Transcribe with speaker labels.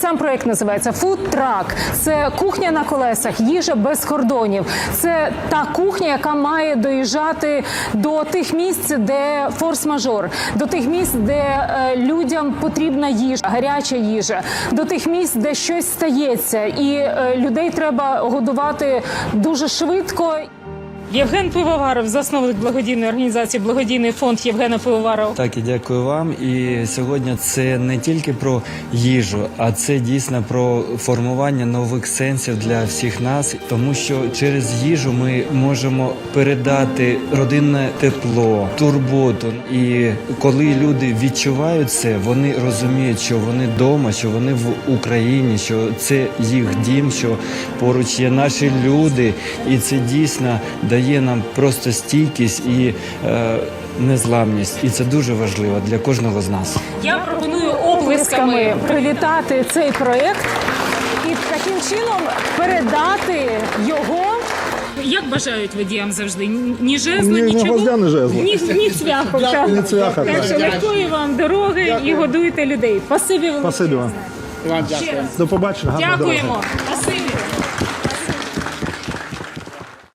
Speaker 1: Сам проєкт називається «Фудтрак». Це кухня на колесах, їжа без кордонів. Це та кухня, яка має доїжджати до тих місць, де форс-мажор, до тих місць, де людям потрібна їжа, гаряча їжа, до тих місць, де щось стається, і людей треба годувати дуже швидко. Євген Пивоваров, засновник благодійної організації «Благодійний фонд Євгена Пивоварова».
Speaker 2: Так, і дякую вам. І сьогодні це не тільки про їжу, а це дійсно про формування нових сенсів для всіх нас, тому що через їжу ми можемо передати родинне тепло, турботу. І коли люди відчувають це, вони розуміють, що вони вдома, що вони в Україні, що це їх дім, що поруч є наші люди, і це дійсно дає нам просто стійкість і незламність. І це дуже важливо для кожного з нас.
Speaker 1: Я пропоную оплесками привітати цей проєкт і таким чином передати його. Як бажають водіям завжди? Ні жезла,
Speaker 3: Ні
Speaker 1: нічого?
Speaker 3: гвоздя, ні жезла.
Speaker 1: Ні цвяху.
Speaker 3: Ні цвяха,
Speaker 1: Так що легкої вам дороги і годуйте людей. Спасибі велике.
Speaker 3: Спасибі вам.
Speaker 1: Ще раз.
Speaker 3: До побачення. Гарного здоров'я.
Speaker 1: Дякуємо. Спасибі.